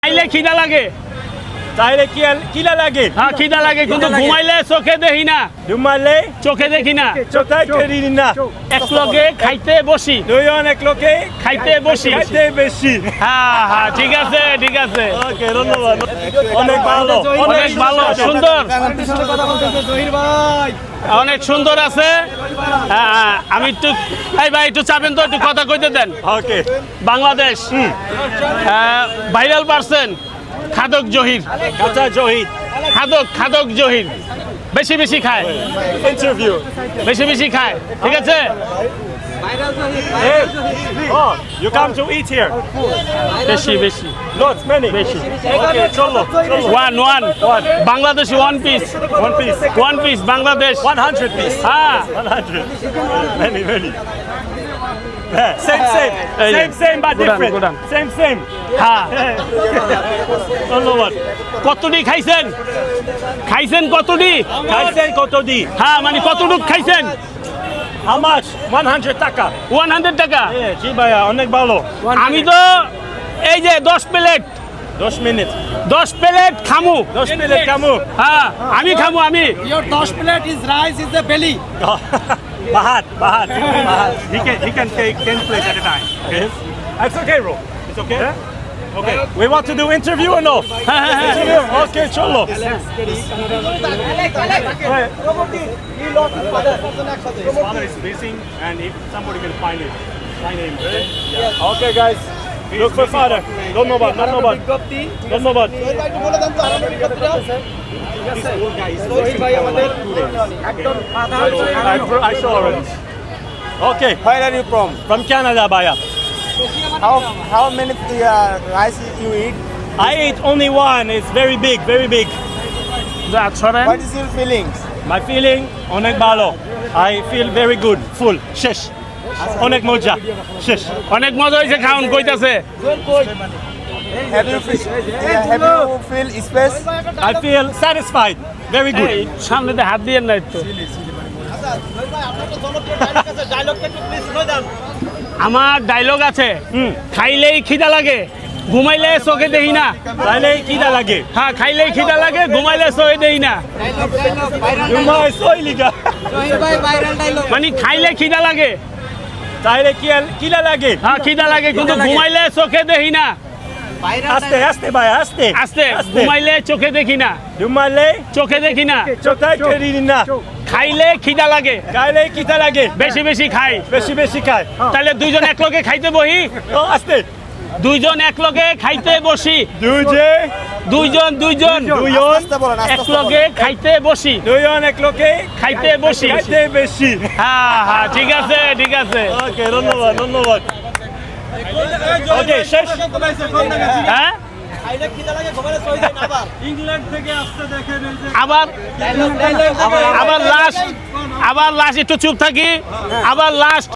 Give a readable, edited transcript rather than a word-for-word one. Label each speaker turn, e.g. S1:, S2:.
S1: খাইলে খিদা লাগে
S2: তাইলে কিলা লাগে
S1: হ্যাঁ খিদা লাগে কিন্তু ঘুমাইলে চোখে দেখি না
S2: ঘুমাইলে
S1: চোখে দেখি না
S2: চোখে দেখি না
S1: এক লগে খাইতে বসি
S2: দুজন এক লোকে
S1: খাইতে বসি
S2: খাইতে বেশি
S1: হ্যাঁ হ্যাঁ ঠিক আছে ঠিক আছে
S2: ওকে ধন্যবাদ অনেক ভালো
S1: অনেক ভালো সুন্দর অনেক সুন্দর আছে হ্যাঁ আমি একটু ভাই একটু চাবেন তো একটু কথা কইতে দেন
S2: ওকে
S1: বাংলাদেশ ভাইরাল পারসন খাদক জহির
S2: কাঁচা জহিদ
S1: খাদক জহির বেশি বেশি খায়
S2: ইন্টারভিউ
S1: বেশি বেশি খায় ঠিক আছে
S2: Hey, oh, you come to eat here.
S1: বেশি বেশি
S2: Lots, many.
S1: বেশি
S2: Okay, cholo.
S1: One Bangladeshi one piece Bangladesh
S2: 100 piece.
S1: হ্যাঁ
S2: 100. Many. Yeah, same, but
S1: Good
S2: different.
S1: on.
S2: Same.
S1: হ্যাঁ
S2: ধন্যবাদ
S1: কতটি খাইছেন কতটি
S2: খাইছেন কত দি
S1: হ্যাঁ মানে কতটুক খাইছেন
S2: How much? 100 টাকা
S1: 100 টাকা
S2: জি ভাইয়া অনেক ভালো
S1: আমি তো এই যে 10 প্লেট
S2: 10 মিনিট
S1: 10 প্লেট খামু
S2: 10 মিনিট কামু
S1: হ্যাঁ আমি খামু আমি
S3: Your 10 plate is rice is the belly.
S2: Bahat. He can take 10 plates at a time. Yes. It's okay, bro. It's okay. Okay. We want to do interview or no? Interview. Okay, cholo. His father is missing, and if somebody can find him. Okay, guys. Look for father. ধন্যবাদ. This old guy is missing for like 2 days. I saw already. Okay.
S4: Where are you from?
S2: From Canada, Baya.
S4: How many rice you eat?
S2: I ate only one. It's very big.
S1: ছড়েন
S4: What is your feelings?
S2: My feeling, onek balo. I feel very good. Full. Shesh. Onek moja. Shesh.
S1: অনেক মজা হয়েছে খাওন কইতাছে
S4: Have you feel space?
S2: I feel satisfied. Very good.
S1: এই সামনেতে হাত দিয়ে না একটু আমার ডায়লগ আছে খাইলেই খিদা লাগে ঘুমাইলে চোখে দেখি না
S2: তাইলে কিটা লাগে?
S1: হ্যাঁ খাইলেই খিদা লাগে ঘুমাইলে চোখে দেখি না
S2: Umay soiliga.
S1: মানে খাইলে খিদা লাগে
S2: তাইলে কিলা লাগে?
S1: হ্যাঁ খিদা লাগে কিন্তু ঘুমাইলে চোখে দেখি না
S2: Aste baya, aste.
S1: আস্তে ঘুমাইলে চোখে দেখি না
S2: Dumale.
S1: চোখে দেখি না
S2: Chokay kerina.
S1: খাইলে খিদা লাগে
S2: Kaile kita lage.
S1: বেশি বেশি খাই
S2: Beshi kai.
S1: তাহলে দুইজন এক লগে খাইতে বহি
S2: Oh, aste.
S1: দুইজন এক লগে খাইতে বসি
S2: Duje.
S1: দুইজন
S2: Duyon.
S1: এক লগে খাইতে বসি
S2: Duyon ek loke.
S1: খাইতে বসি
S2: Kaite beshi.
S1: হ্যাঁ ঠিক আছে
S2: Okay, ধন্যবাদ. Okay, shesh.
S1: হ্যাঁ আবার লাস্ট একটু চুপ থাকি আবার লাস্ট